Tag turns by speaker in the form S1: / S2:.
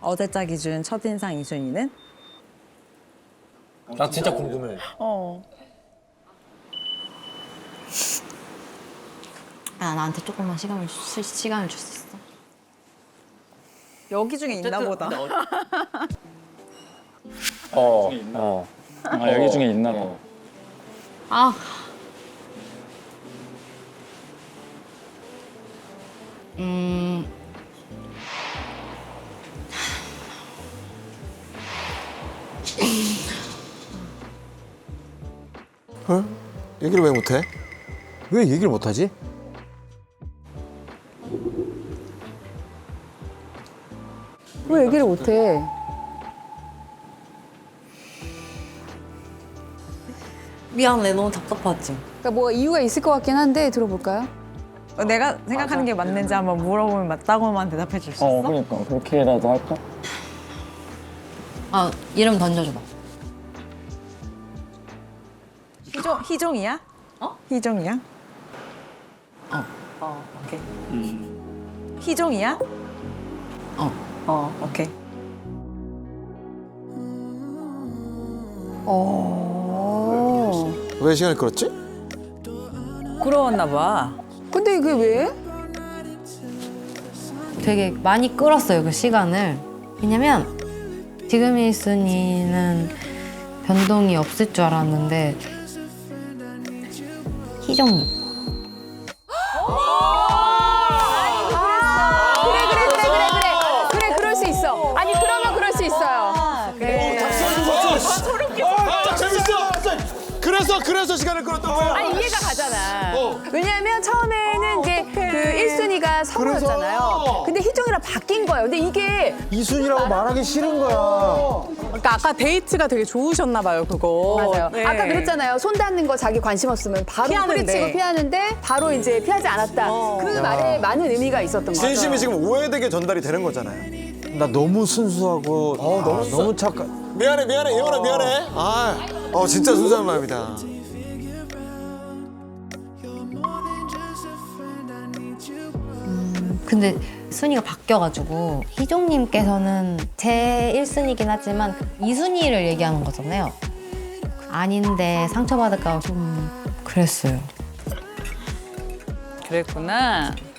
S1: 어제자 기준 첫인상 2순위는?
S2: 나 진짜 궁금해.
S3: 아, 나한테 조금만 시간을 줄 수 있어?
S1: 여기 중에 있나 보다.
S4: 아, 여기 중에 있나 봐.
S3: 아.
S5: 어? 얘기를 왜 못해?
S6: 왜 얘기를 못하지?
S7: 왜 얘기를 못해?
S3: 미안해, 너무 답답하지?
S7: 그러니까 뭐 이유가 있을 것 같긴 한데 들어볼까요?
S1: 내가 생각하는 게 맞는지 한번 물어보면 맞다고만 대답해 줄 수 있어?
S4: 그러니까 그렇게라도 할까?
S3: 아, 이름 던져줘봐.
S1: 희종이야? 희종이야? 오케이. 희종이야? 오케이.
S5: 왜 시간을 끌었지?
S1: 부러웠나 봐.
S7: 근데 이게 왜?
S3: 되게 많이 끌었어요, 그 시간을. 왜냐면 지금 1순위는 변동이 없을 줄 알았는데 희종님.
S7: 그래 그럴 수 있어. 아니 그러면 그럴 수 있어요.
S5: 재밌어. 그래서 시간을 끌었던 거야.
S7: 아니 이해가 가잖아. 왜냐하면 처음에는 이제 그 1순위가 성우였잖아요. 근데 희종이랑 바뀐 거예요. 근데 이게
S6: 이순이라고 말하기 싫은 거야.
S1: 그러니까 아까 데이트가 되게 좋으셨나 봐요, 그거.
S7: 맞아요.
S1: 네.
S7: 아까 그랬잖아요. 손 닿는 거 자기 관심 없으면 바로
S1: 피하는데.
S7: 뿌리치고 피하는데 바로 이제 피하지 않았다. 그 말에 많은 의미가 있었던 거죠.
S5: 진심이 지금 오해되게 전달이 되는 거잖아요.
S6: 나 너무 순수하고 너무 착한.
S5: 미안해, 예원아 미안해. 진짜 순수한 마음이다.
S3: 근데 순위가 바뀌어가지고 희종님께서는 제 1순위긴 하지만 2순위를 얘기하는 거잖아요. 아닌데 상처받을까 좀 그랬어요.
S1: 그랬구나.